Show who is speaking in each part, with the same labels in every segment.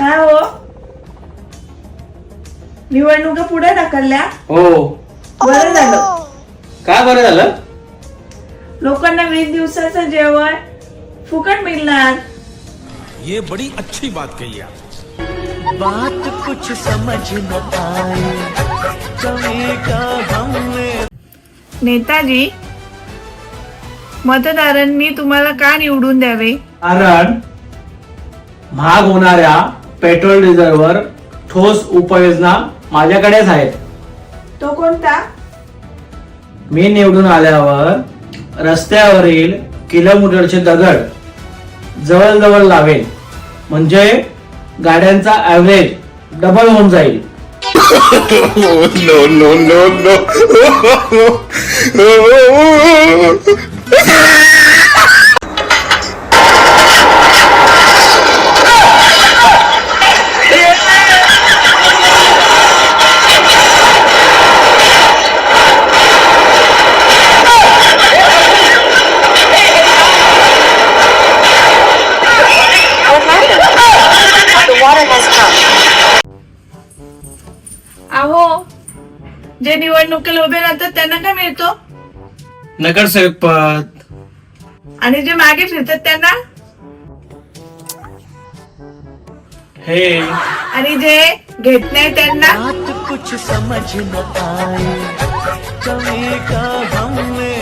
Speaker 1: काय हो, निवडणुका पुढे ढकलल्या?
Speaker 2: हो.
Speaker 1: बरं झालं.
Speaker 2: काय बरं झालं?
Speaker 1: लोकांना 20 दिवसाचं जेवण फुकट मिळणार.
Speaker 3: ये बड़ी अच्छी बात कही आप.
Speaker 4: बात कुछ समझ न आए कभी का हमने.
Speaker 1: नेताजी, मतदारांनी तुम्हाला का निवडून द्यावे?
Speaker 2: कारण महाग होणाऱ्या पेट्रोल डिझेलवर ठोस उपाययोजना माझ्याकडेच आहेत.
Speaker 1: तो कोणता?
Speaker 2: मी निवडून आल्यावर रस्त्यावरील किलोमीटरचे दगड जवळ लावेल, म्हणजे गाड्यांचा ऍव्हरेज डबल होऊन जाईल.
Speaker 5: no, no, no, no.
Speaker 1: अहो, जे निवडणुकीला उभे राहतात त्यांना काय मिळतो?
Speaker 2: नगरसेवक पद.
Speaker 1: आणि जे मागे फिरतात त्यांना?
Speaker 2: हे
Speaker 1: आणि जे घेत नाही त्यांना?
Speaker 4: बात कुछ समझ न आए कभी का हमने.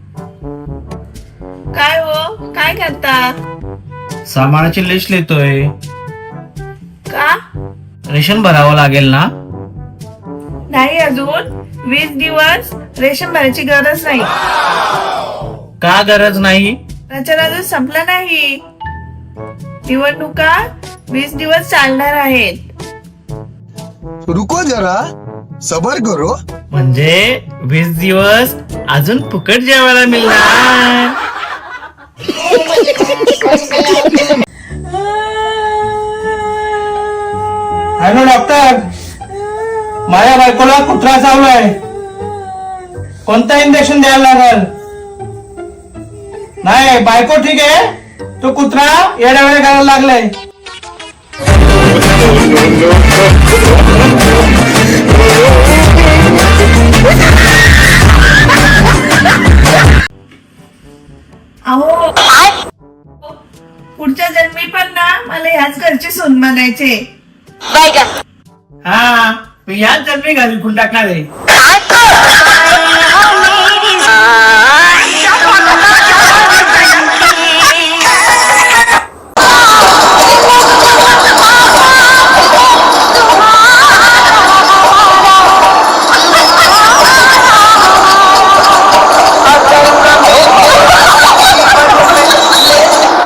Speaker 1: काय हो, काय करता?
Speaker 2: सामानाची लिस्ट लिहितोय.
Speaker 1: का?
Speaker 2: रेशन भरावं लागेल ना.
Speaker 1: नाही, अजून 20 दिवस रेशन भरायची गरज नाही.
Speaker 2: का गरज नाही?
Speaker 1: प्रचार अजून संपला नाही. निवडणुका 20 दिवस चालणार आहेत.
Speaker 6: रुको जरा सबर करो.
Speaker 2: म्हणजे 20 दिवस अजून फुकट जेवायला मिळणार. हॅलो डॉक्टर, माझ्या बायकोला कुत्रा चावलाय. कोणतं इंजेक्शन द्यायला लागल? नाही, बायको ठीक आहे, तो कुत्रा येड्यावेड्या करायला लागलाय.
Speaker 1: अहो, पुढच्या जन्मी पण ना मला ह्याच घरची सून बनायचे.
Speaker 2: हा, मी ह्याच जन्मी घालून टाकणार आहे.